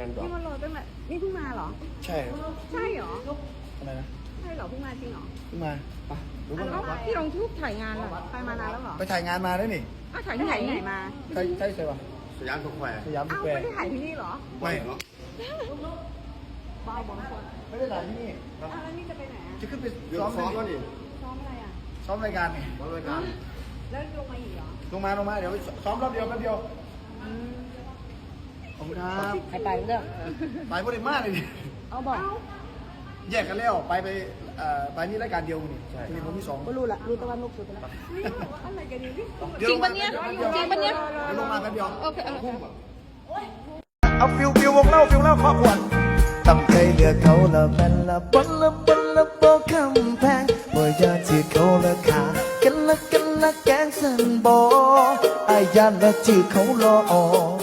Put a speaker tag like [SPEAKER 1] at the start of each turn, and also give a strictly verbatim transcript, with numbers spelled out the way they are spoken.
[SPEAKER 1] านดอก
[SPEAKER 2] นี่มารอตั้งแต่นี่เพิ่งมาเหรอ
[SPEAKER 3] ใช่
[SPEAKER 2] ใช่เหรอ
[SPEAKER 3] ทำไมนะ
[SPEAKER 2] ใช่เหรอเพิ่งมาจริงเหรอ
[SPEAKER 3] เพิ่งมาไปรู้
[SPEAKER 2] อ่ะ
[SPEAKER 3] ป่ะ
[SPEAKER 2] แล้วพี่ลงทุกถ่ายงานเหรอไปมานานแล้วเหรอ
[SPEAKER 3] ไปถ่ายงานมาได้นี่
[SPEAKER 2] อ้าวถ่ายที่ไหนไหนมา
[SPEAKER 3] ใช่ใช่ใช่ป่ะ
[SPEAKER 1] สยามสแควร์
[SPEAKER 3] สยามส
[SPEAKER 2] อ้าว
[SPEAKER 3] แคว
[SPEAKER 2] ไม่
[SPEAKER 3] ร์
[SPEAKER 2] ได้ถ่ายที่นี่เหรอ
[SPEAKER 3] ไม่
[SPEAKER 1] เนาะ
[SPEAKER 2] บ้าบอลคน
[SPEAKER 3] ไม่ได้ถ่ายที่นี่
[SPEAKER 2] อ้าวแล้วนี่จะไปไหนอ่ะ
[SPEAKER 3] จะขึ้นไป
[SPEAKER 1] เดี๋ยว
[SPEAKER 3] ซ้อม
[SPEAKER 1] ซ้อม
[SPEAKER 3] ก็
[SPEAKER 1] ก็ดิ
[SPEAKER 2] ซ้อมอะไรอ่ะ
[SPEAKER 3] ซ้อมรายการไง
[SPEAKER 1] ซ้อมรายการ
[SPEAKER 2] แล้วลงมาอีกเหรอ
[SPEAKER 3] ลงมาลงมาเดี๋ยวไปซ้อมรอบเดียวแป๊บเดียวขอบคุณครับ
[SPEAKER 4] ใครไปเรื่อง
[SPEAKER 3] ไปพอดีมากเลยดิ
[SPEAKER 4] เอาบอก
[SPEAKER 3] แยกกันแล้วไปไปเอ่อไปนี่รายการเดียวนี่ทีนี้ผมมีสอง
[SPEAKER 4] ก็รู้ละรู้แต่ว่านุกสุดไปแล้ว
[SPEAKER 2] นี่บอกว่าอะไรกันดีนี่
[SPEAKER 4] จริงปะเนี่ยจริงปะเนี่ย
[SPEAKER 3] เดี๋ยวลงมาแป๊บเดียว
[SPEAKER 4] โอเคโอเค
[SPEAKER 3] เอาฟิวฟิววงเล่าฟิวเล่าครอบครัวตั้งใจเลือกเขาละแม่นละบนละบนละโบคำแพงบ่อยากจีบเขาละขากันละกันละแกงสันบออายานละจีบเขารอ